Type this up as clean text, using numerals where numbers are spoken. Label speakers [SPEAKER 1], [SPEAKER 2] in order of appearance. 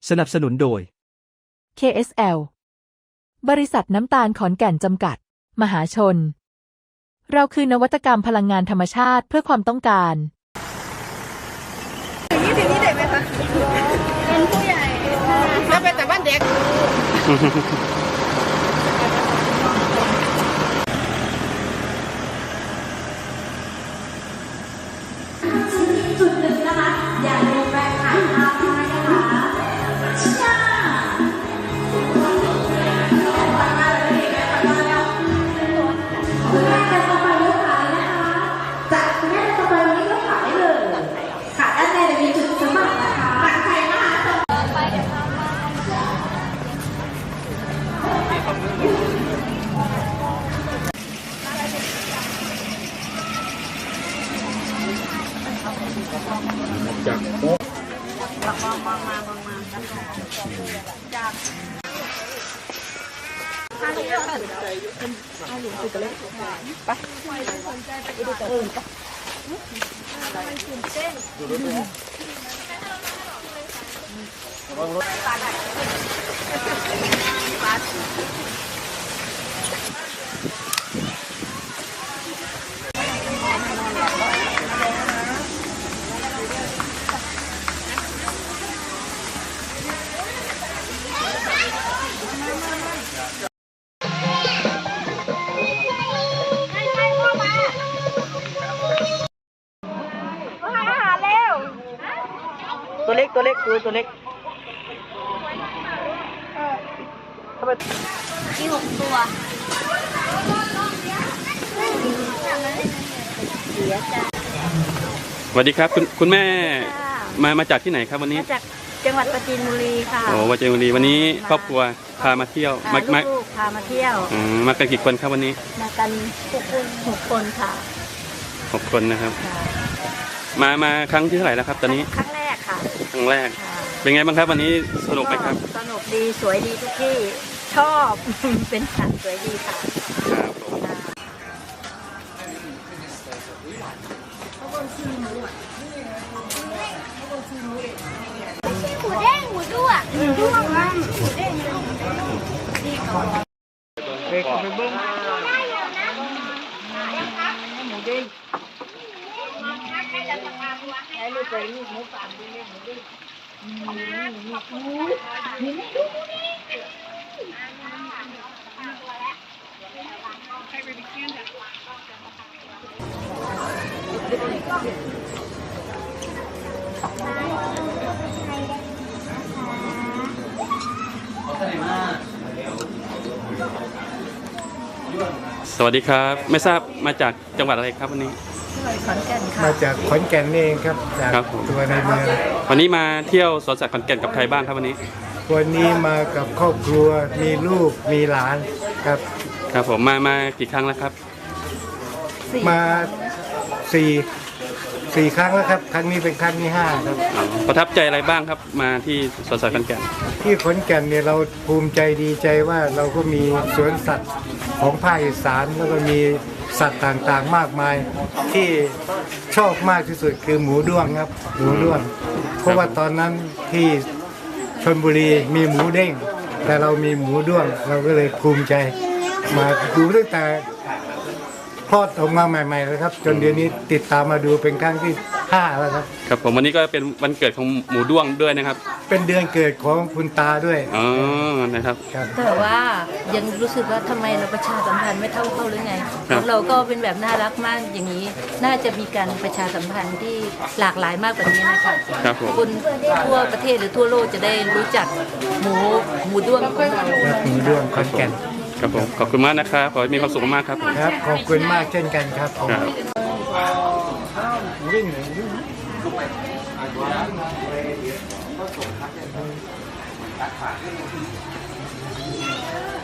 [SPEAKER 1] สนับสนุนโดย
[SPEAKER 2] KSL บริษัทน้ำตาลขอนแก่นจำกัดมหาชนเราคือนวัตกรรมพลังงานธรรมชาติเพื่อความต้องการ
[SPEAKER 3] นี่ถึงนี่เด็กไหมคะเป็นผู้ใหญ่แล้วเป็นแต่บ้านเด็ก
[SPEAKER 4] จุดหนึ่งนะคะอย่าลืมแวะถ่ายภาพด้วยนะคะช่าไปมาเลยไปมาแล้วคุณแม่จะต่อไปยกขานะคะจากคุณแม่จะต่อไปวันนี้ยกขาได้เลยขาด้านในจะมีจุดสมัครนะคะหลังใครนะคะไปเดี๋ยวมา
[SPEAKER 5] จากโป๊ะตัวเล็กตัวเล็กตัวเล็ก
[SPEAKER 4] มี6 ตัว
[SPEAKER 6] สวัสดีครับคุณแม่มาจากที่ไหนครับวันนี้
[SPEAKER 7] มาจากจังหวัดปราจีนบุรีค่ะ
[SPEAKER 6] โอ้ปราจีนบุรีวันนี้ครอบครัวพามาเที่ยว
[SPEAKER 7] ลูกพามาเที่ยว
[SPEAKER 6] มากันกี่คนครับวันนี้
[SPEAKER 7] มากัน6 คนค่ะ
[SPEAKER 6] 6 คนนะครับมาครั้งที่เท่าไหร่แล้วครับตอนนี้
[SPEAKER 7] ครั้งแรกค่ะ
[SPEAKER 6] ครั้งแรกเป็นไงบ้างครับวันนี้สนุกไหมครับ
[SPEAKER 7] สนุกดีสวยดีทุกที่ชอบเป็นสัตว์สวยดีค่ะ
[SPEAKER 6] ครับ
[SPEAKER 4] หมูเด้งหมูด้วงหมูด้วงมันหมูเด้ง
[SPEAKER 5] เด็กไปเบิ้ง
[SPEAKER 7] หมูเด้งให้ลูกไปลูกหมูป่าหมูเด้งหมูเด้ง
[SPEAKER 6] สวัสดีครับไม่ทราบมาจากจังหวัดอะไรครับวันนี้
[SPEAKER 7] ขอนแก่นค่ะ
[SPEAKER 5] มาจากขอนแก่นเองครับจากตัวในเมือง
[SPEAKER 6] วันนี้มาเที่ยวสวนสัตว์ขอนแก่นกับใครบ้างครับวันนี้
[SPEAKER 5] มากับครอบครัวมีลูกมีหลานครับ
[SPEAKER 6] ครับผมมากี่ครั้งแล้วครับ
[SPEAKER 5] มา4 ครั้งแล้วครับครั้งนี้เป็นครั้งที่5ครับ
[SPEAKER 6] ประทับใจอะไรบ้างครับมาที่สวนสัตว์ขอนแก่น
[SPEAKER 5] ที่ขอนแก่นเนี่ยเราภูมิใจดีใจว่าเราก็มีสวนสัตว์ของภาคอีสานแล้วก็มีสัตว์ต่างๆมากมายที่ชอบมากที่สุดคือหมูด้วงครับหมูด้วงเพราะว่าตอนนั้นที่ชลบุรีมีหมูเด้งแต่เรามีหมูด้วงเราก็เลยภูมิใจมาดูตั้งแต่คลอดออกมาใหม่ๆเลยครับจนเดี๋ยวนี้ติดตามมาดูเป็นครั้งที่5แล้วครับ
[SPEAKER 6] ครับผมวันนี้ก็เป็นวันเกิดของหมูด้วงด้วยนะครับ
[SPEAKER 5] เป็นเดือนเกิดของคุณตาด้วย
[SPEAKER 6] อ๋อนะครับ
[SPEAKER 7] แต่ว่ายังรู้สึกว่าทำไมเราประชาสัมพันธ์ไม่เท่าเขาหรือไงของเราก็เป็นแบบน่ารักมากอย่างนี้น่าจะมีการประชาสัมพันธ์ที่หลากหลายมากกว่านี้นะคะ
[SPEAKER 6] ครับผม
[SPEAKER 7] คนทั่วประเทศหรือทั่วโลกจะได้รู้จักหมูด้วงของเรา
[SPEAKER 5] หมูด้วงขอนแก่น
[SPEAKER 6] ครับผมขอบคุณมากนะครับขอให้มีความสุขมากครับ
[SPEAKER 5] ครับขอบคุณมากเช่นกันครับผม